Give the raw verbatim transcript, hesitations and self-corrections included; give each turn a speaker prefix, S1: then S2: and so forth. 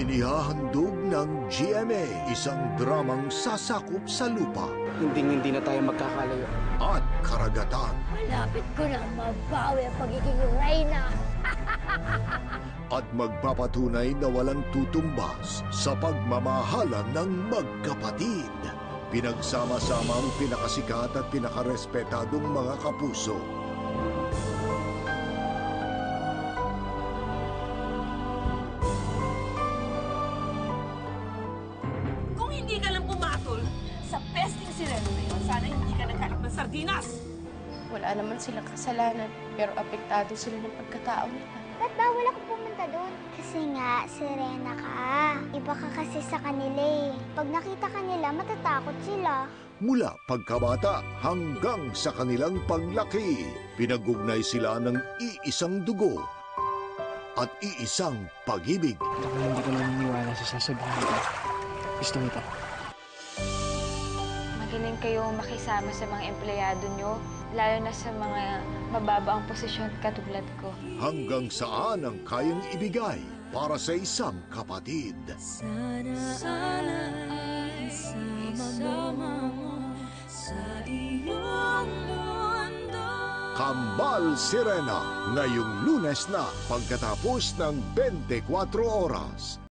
S1: Inihahandog ng G M A isang dramang sasakop sa lupa
S2: Hindi-hindi na tayo magkakalayo.
S1: at karagatan
S3: Malapit ko na mabawi ang pagiging reyna.
S1: at magpapatunay na walang tutumbas sa pagmamahalan ng magkapatid. Pinagsama-sama ang pinakasikat at pinakarespetadong mga kapuso.
S4: Kung hindi ka lang pumatol sa pesting sireno na yun, sana hindi ka naghanap ng sardinas.
S5: Wala naman silang kasalanan, pero apektado sila ng pagkatao nila.
S6: Ba't bawal ako pumunta doon? Kasi nga, sirena ka. Iba ka kasi sa kanila eh. Pag nakita ka nila, matatakot sila.
S1: Mula pagkabata hanggang sa kanilang paglaki, pinag-ugnay sila ng iisang dugo at iisang pag-ibig.
S2: Ako hindi ko naniniwala sa sasabihin ko. Gusto mo ito.
S7: Magaling kayong makisama sa mga empleyado nyo, lalo na sa mga mababa ang posisyon katulad ko.
S1: Hanggang saan ang kayang ibigay para sa isang kapatid.
S3: Sana, sana ay isama mo sa iyong mundo.
S1: Kambal Sirena, ngayong Lunes na pagkatapos ng twenty-four oras.